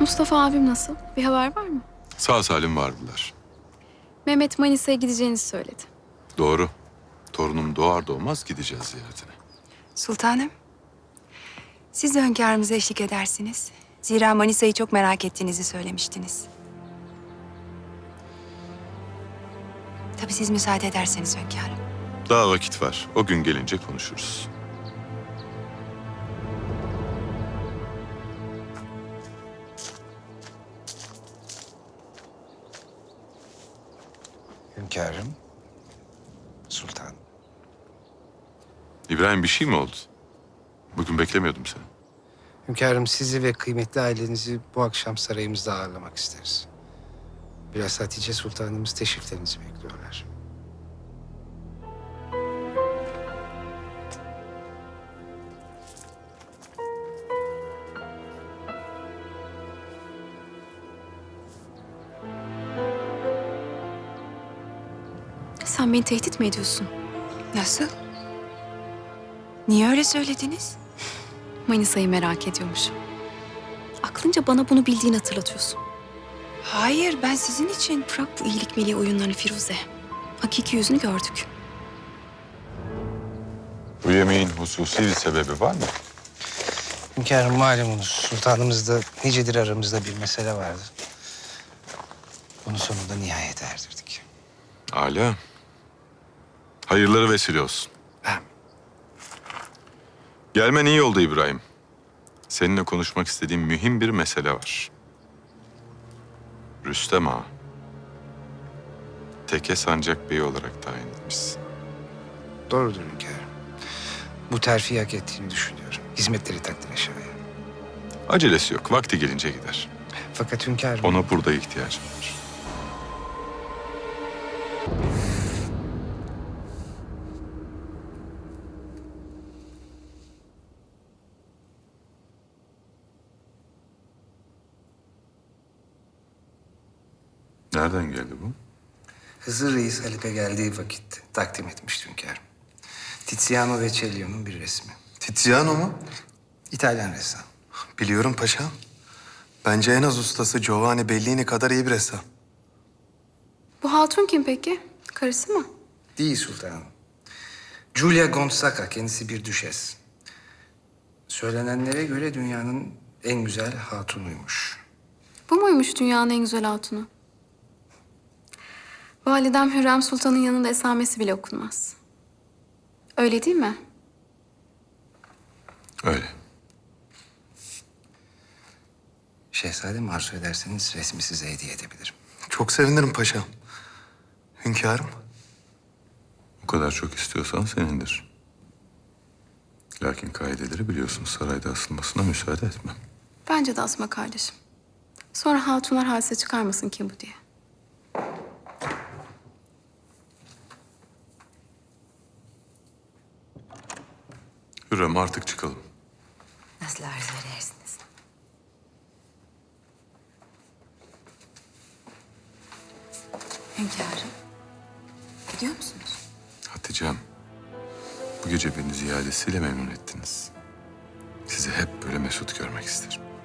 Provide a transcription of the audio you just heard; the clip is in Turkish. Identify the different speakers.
Speaker 1: Mustafa abim nasıl? Bir haber var mı?
Speaker 2: Sağ salim vardılar.
Speaker 1: Mehmet Manisa'ya gideceğinizi söyledi.
Speaker 2: Doğru. Torunum doğar doğmaz gideceğiz ziyaretine.
Speaker 3: Sultanım, siz de hünkârımıza eşlik edersiniz. Zira Manisa'yı çok merak ettiğinizi söylemiştiniz. Tabii siz müsaade ederseniz hünkârım.
Speaker 2: Daha vakit var. O gün gelince konuşuruz.
Speaker 4: Hünkârım, sultan.
Speaker 2: İbrahim, bir şey mi oldu? Bugün beklemiyordum seni.
Speaker 4: Hünkârım, sizi ve kıymetli ailenizi bu akşam sarayımızda ağırlamak isteriz. Biraz Hatice Sultanımız teşriflerinizi bekliyorlar.
Speaker 1: Sen beni tehdit mi ediyorsun?
Speaker 3: Nasıl? Niye öyle söylediniz?
Speaker 1: Manisa'yı merak ediyormuşum. Aklınca bana bunu bildiğini hatırlatıyorsun.
Speaker 3: Hayır, ben sizin için.
Speaker 1: Bırak bu iyilik meleği oyunlarını Firuze. Hakiki yüzünü gördük.
Speaker 2: Bu yemeğin hususi bir sebebi var mı?
Speaker 4: Hünkârım, malumunuz sultanımızda nicedir aramızda bir mesele vardı. Bunu sonunda nihayete erdirdik.
Speaker 2: Âlâ. Hayırları vesile olsun.
Speaker 4: Amin.
Speaker 2: Gelmen iyi oldu İbrahim. Seninle konuşmak istediğim mühim bir mesele var. Rüstem Ağa. Teke Sancak Bey olarak tayin etmişsin.
Speaker 4: Doğrudur hünkârım. Bu terfi hak ettiğini düşünüyorum. Hizmetleri takdire şayan.
Speaker 2: Acelesi yok. Vakti gelince gider.
Speaker 4: Fakat hünkârım...
Speaker 2: Ona burada ihtiyacım var. Nereden geldi bu?
Speaker 4: Hızır Reis Halika geldiği vakit takdim etmişti hünkârım. Tiziano ve Cellio'nun bir resmi.
Speaker 5: Tiziano mu?
Speaker 4: İtalyan ressam.
Speaker 5: Biliyorum paşam. Bence en az ustası Giovanni Bellini kadar iyi bir ressam.
Speaker 1: Bu hatun kim peki? Karısı mı?
Speaker 4: Değil sultanım. Giulia Gonzaga, kendisi bir düşes. Söylenenlere göre dünyanın en güzel hatunuymuş.
Speaker 1: Bu muymuş dünyanın en güzel hatunu? Validem Hürrem Sultan'ın yanında esamesi bile okunmaz. Öyle değil mi?
Speaker 2: Öyle.
Speaker 4: Şehzadem, arzu ederseniz resmi size hediye edebilirim.
Speaker 5: Çok sevinirim paşam. Hünkârım.
Speaker 2: O kadar çok istiyorsan senindir. Lakin kaideleri biliyorsun. Sarayda asılmasına müsaade etmem.
Speaker 1: Bence de asma kardeşim. Sonra hatunlar hadise çıkarmasın kim bu diye.
Speaker 2: Hürrem, artık çıkalım.
Speaker 3: Nasıl arzu edersiniz? Hünkârım, gidiyor musunuz?
Speaker 2: Hatice'm, bu gece beni ziyadesiyle memnun ettiniz. Sizi hep böyle mesut görmek isterim.